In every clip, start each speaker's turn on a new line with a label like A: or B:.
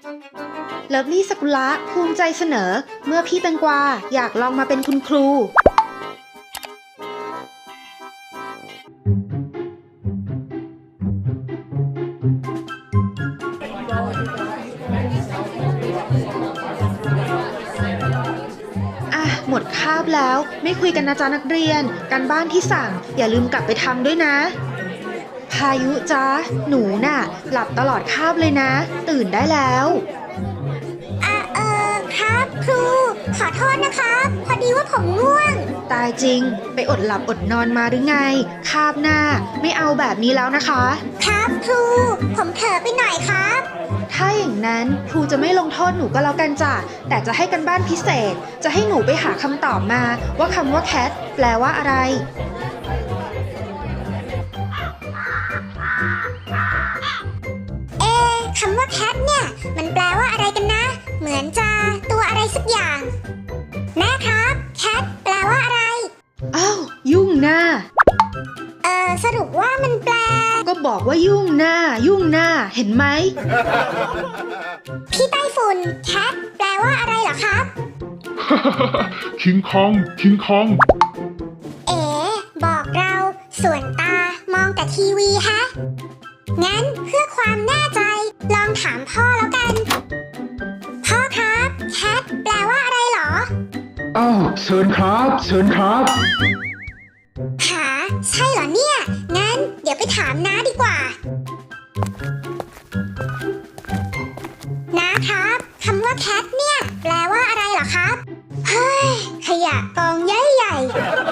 A: เลิฟลี่สกุละภูมิใจเสนอเมื่อพี่แตงกวาอยากลองมาเป็นคุณครูหมดคาบแล้วไม่คุยกันนะจ๊ะนักเรียนการบ้านที่สั่งอย่าลืมกลับไปทำด้วยนะพายุจ๊ะหนูน่ะหลับตลอดคาบเลยนะตื่นได้แล้ว
B: ครับครูขอโทษนะครับพอดีว่าผมง่วง
A: ตายจริงไปอดหลับอดนอนมาหรือไงคาบหน้าไม่เอาแบบนี้แล้วนะคะ
B: ครับครูผมเผลอไปหน่อยครับ
A: ถ้าอย่างนั้นครูจะไม่ลงโทษหนูก็แล้วกันจ้ะแต่จะให้กันบ้านพิเศษจะให้หนูไปหาคำตอบมาว่าคำว่า cat แปลว่าอะไร
B: คำว่า cat เนี่ยมันแปลว่าอะไรกันนะเหมือนจะตัวอะไรสักอย่างแม่ครับ cat แปลว่าอะไร
A: อ้าวยุ่งหน้า
B: สรุปว่ามันแปล
A: ก็บอกว่ายุ่งหน้าเห็นไหม
B: พี่ไต้ฝุ่น cat แปลว่าอะไรเหรอครับ
C: คิงคอง
B: บอกเราส่วนตามองแต่ทีวีฮะงั้นเพื่อความแน่ใจลองถามพ่อแล้วกันพ่อครับ cat แปลว่าอะไรเหรอ
C: อ้าวเชิญครับ
B: หาใช่เหรอเนี่ยงั้นเดี๋ยวไปถามน้าดีกว่าน้าครับคำว่า cat เนี่ยแปลว่าอะไรเหรอครับเฮ้ยขยะกองใหญ่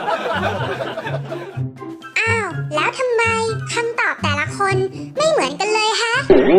B: อ้าวแล้วทำไมคำตอบแต่ละคนไม่เหมือนกันเลยฮะ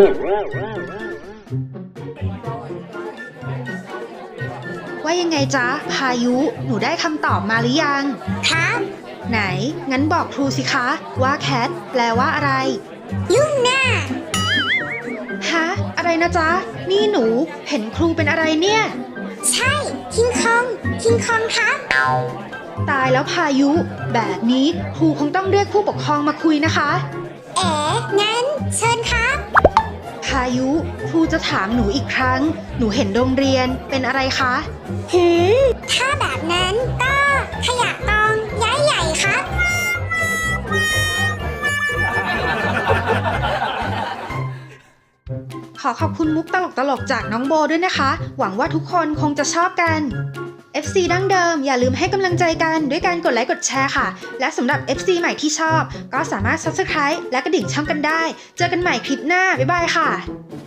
A: ว่ายังไงจ๊ะพายุหนูได้คำตอบมาหรือยัง
B: ครับ
A: ไหนงั้นบอกครูสิคะว่า cat แปลว่าอะไร
B: ยุ่งหน้า
A: ฮะอะไรนะจ๊ะนี่หนูเห็นครูเป็นอะไรเนี่ย
B: ใช่คิงคองครับ
A: ตายแล้วพายุแบบนี้ครูคงต้องเรียกผู้ปกครองมาคุยนะคะ
B: งั้นเชิญครับ
A: พายุครูจะถามหนูอีกครั้งหนูเห็นโรงเรียนเป็นอะไรคะ
B: ถ้าแบบนั้นก็ขยะกองใหญ่ครับ
A: ขอขอบคุณมุกตลกจากน้องโบด้วยนะคะหวังว่าทุกคนคงจะชอบกัน FC ดั้งเดิมอย่าลืมให้กำลังใจกันด้วยการกดไลค์กดแชร์ค่ะและสำหรับ FC ใหม่ที่ชอบก็สามารถ Subscribe และกระดิ่งช่องกันได้เจอกันใหม่คลิปหน้าบ๊ายบายค่ะ